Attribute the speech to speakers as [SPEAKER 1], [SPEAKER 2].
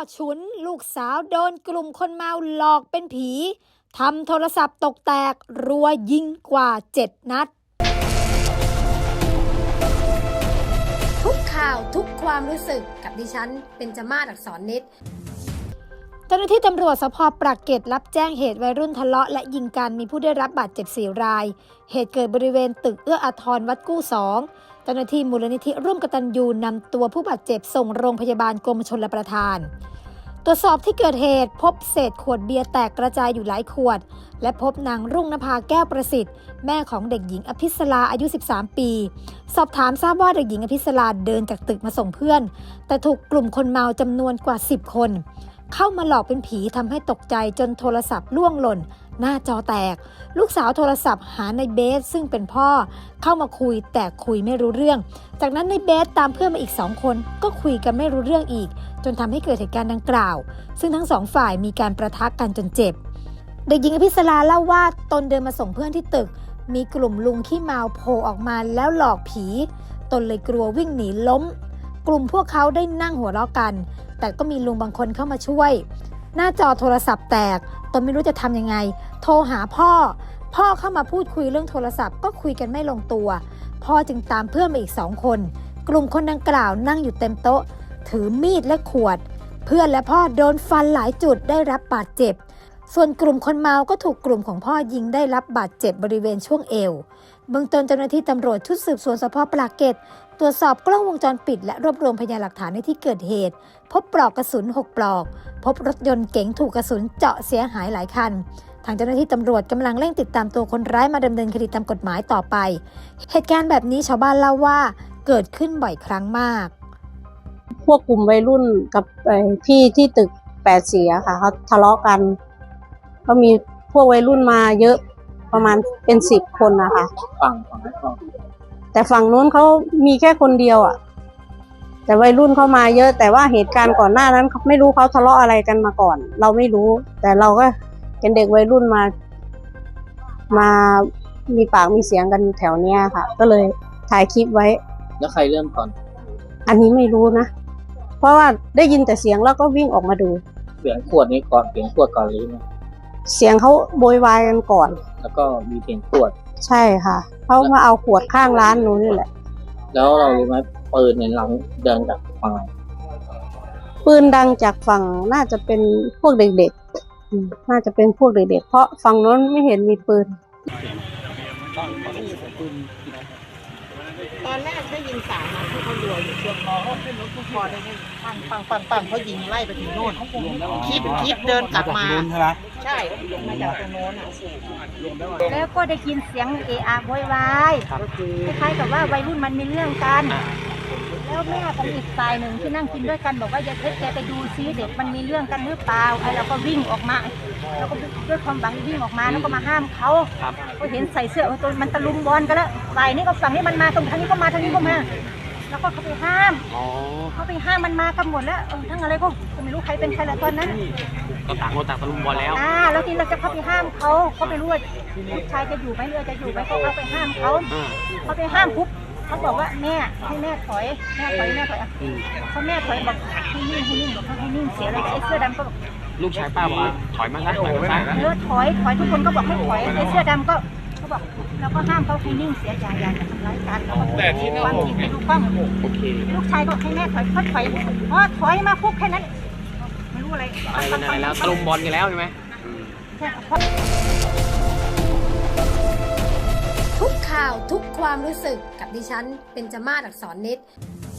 [SPEAKER 1] ฉุนลูกสาวโดนกลุ่มคนเมาหลอกเป็นผีทำโทรศัพท์ตกแตกรัวยิงกว่า7 นัดทุกข่าวทุกความรู้สึกกับดิฉันเบญจมาศ อักษรนิดเจ้าหน้าที่ตำรวจสภ.ปากเกร็ดรับแจ้งเหตุวัยรุ่นทะเลาะและยิงกันมีผู้ได้รับบาดเจ็บ4 รายเหตุเกิดบริเวณตึกเอื้ออาทรวัดกู้2เจ้าหน้าที่มูลนิธิร่วมกตัญญูนำตัวผู้บาดเจ็บส่งโรงพยาบาลกรมชลประทานตรวจสอบที่เกิดเหตุพบเศษขวดเบียร์แตกกระจายอยู่หลายขวดและพบนางรุ่งนภาแก้วประสิทธิ์แม่ของเด็กหญิงอภิสราอายุ13 ปีสอบถามทราบว่าเด็กหญิงอภิสราเดินจากตึกมาส่งเพื่อนแต่ถูกกลุ่มคนเมาจำนวนกว่า10 คนเข้ามาหลอกเป็นผีทำให้ตกใจจนโทรศัพท์ล่วงหล่นหน้าจอแตกลูกสาวโทรศัพท์หาในเบสซึ่งเป็นพ่อเข้ามาคุยแต่คุยไม่รู้เรื่องจากนั้นในเบสตามเพื่อนมาอีก2 คนก็คุยกันไม่รู้เรื่องอีกจนทำให้เกิดเหตุการณ์ดังกล่าวซึ่งทั้ง2 ฝ่ายมีการประทะกันจนเจ็บเด็กหญิงอภิสราเล่าว่าตนเดินมาส่งเพื่อนที่ตึกมีกลุ่มลุงขี้เมาโผล่ออกมาแล้วหลอกผีตนเลยกลัววิ่งหนีล้มกลุ่มพวกเขาได้นั่งหัวเราะกันแต่ก็มีลุงบางคนเข้ามาช่วยหน้าจอโทรศัพท์แตกตนไม่รู้จะทำยังไงโทรหาพ่อเข้ามาพูดคุยเรื่องโทรศัพท์ก็คุยกันไม่ลงตัวพ่อจึงตามเพื่อนมาอีก2 คนกลุ่มคนดังกล่าวนั่งอยู่เต็มโต๊ะถือมีดและขวดเพื่อนและพ่อโดนฟันหลายจุดได้รับบาดเจ็บส่วนกลุ่มคนเมาก็ถูกกลุ่มของพ่อยิงได้รับบาดเจ็บบริเวณช่วงเอวเบื้องต้นเจ้าหน้าที่ตำรวจชุดสืบสวนสภ.ปากเกร็ดตรวจสอบกล้องวงจรปิดและรวบรวมพยานหลักฐานในที่เกิดเหตุพบปลอกกระสุน6 ปลอกพบรถยนต์เก๋งถูกกระสุนเจาะเสียหายหลายคันทางเจ้าหน้าที่ตำรวจกำลังเร่งติดตามตัวคนร้ายมาดำเนินคดีตามกฎหมายต่อไปเหตุการณ์แบบนี้ชาวบ้านเล่าว่าเกิดขึ้นบ่อยครั้งมาก
[SPEAKER 2] พวกกลุ่มวัยรุ่นกับพี่ที่ตึก8 เสียค่ะเขาทะเลาะกันก็มีพวกวัยรุ่นมาเยอะประมาณเป็น10 คนนะคะแต่ฝั่งนู้นเขามีแค่คนเดียวอ่ะแต่วัยรุ่นเข้ามาเยอะแต่ว่าเหตุการณ์ก่อนหน้านั้นไม่รู้เขาทะเลาะอะไรกันมาก่อนเราไม่รู้แต่เราก็เป็นเด็กวัยรุ่นมามีปากมีเสียงกันแถวเนี้ยค่ะก็เลยถ่ายคลิปไว้
[SPEAKER 3] แล้วใครเริ่มก่อน
[SPEAKER 2] อันนี้ไม่รู้นะเพราะว่าได้ยินแต่เสียงแล้วก็วิ่งออกมาดู
[SPEAKER 3] เสียงขวดนี้ก่อนเสียงขวดก่อนหรือไง
[SPEAKER 2] เสียงเขาโวยวายกันก่อน
[SPEAKER 3] แล้วก็มีเสียงขวด
[SPEAKER 2] ใช่ค่ะเขามาเอาขวดข้างร้านนู้นนี่แหละ
[SPEAKER 3] แล้วเรารู้ไหมปืนในหลังเดินจากฝั่ง
[SPEAKER 2] ปืนดังจากฝั่งน่าจะเป็นพวกเด็กๆน่าจะเป็นพวกเด็กๆเพราะฝั่งนู้นไม่เห็นมีปืน
[SPEAKER 4] ตอนแรกได้ยิน3 นัดที่เขารัวอยู่ช่วงพอขึ้นรถทุกพอได้ยินปังเขายิงไล่ไปถึงโน่นคลิปเดินกลับมาใช่มาจากตรงโน้นอ่ะ
[SPEAKER 5] แล้วก็ได้ยินเสียงเอะอะโวยวายคล้ายๆกับว่าวัยรุ่นมันมีเรื่องกันแล้วแม่ของอีกฝ่ายหนึ่งที่นั่งกินด้วยกันบอกว่าอย่าแกไปดูซิเด็กมันมีเรื่องกันหรือเปล่าไอ้เราก็วิ่งออกมาแล้วก็ด้วยความหวังวิ่งออกมาแล้วก็มาห้ามเขาก็เห็นใส่เสื้อตัวมันตะลุมบอลกันแล้วฝ่ายนี้ก็ฝั่งนี้มันมาตรงทางนี้ก็มาทางนี้ก็มาแล้วก็เขาไปห้ามมันมากันหมดแล้วทั้งอะไรก็ไม่รู้ใครเป็นใครแล้วตอนนั้น
[SPEAKER 3] ก็ต่างคนต่างตะลุมบอลแล้ว
[SPEAKER 5] แล้วทีเราจะเข้าไปห้ามเขาไม่รู้ว่าลูกชายจะอยู่ไหมเรือจะอยู่ไหมเขาไปห้ามเขาไปห้ามปุ๊บเขาบอกว่าแม่ให้แม่ถอยเขาแม่ถอยบอกให้นิ่งบอกให้นิ่งเสียเลยไอ้เสื้อดำก็บอก
[SPEAKER 3] ลูกชายป้าบอกถอยมาซะถอย
[SPEAKER 5] ทุกคนก็บอกให้ถอยไอ้เสื้อดำก็เขาบอกเราก็ห้ามเขาให้นิ่งเสียอย่าทำร้ายกัน
[SPEAKER 3] แต่ที่นั่น
[SPEAKER 5] ไม่ดูกล้อง
[SPEAKER 3] โอเค
[SPEAKER 5] ลูกชายก็ให้แม่ถอยเขาถอยถอยมาปุ๊บแค่นั้นไม่รู้อะไร
[SPEAKER 3] แล้วตะลุมบอลกันแล้วใช่ไหม
[SPEAKER 1] ทุกข่าวทุกความรู้สึกกับดิฉันเบญจมาศ อักษรนิด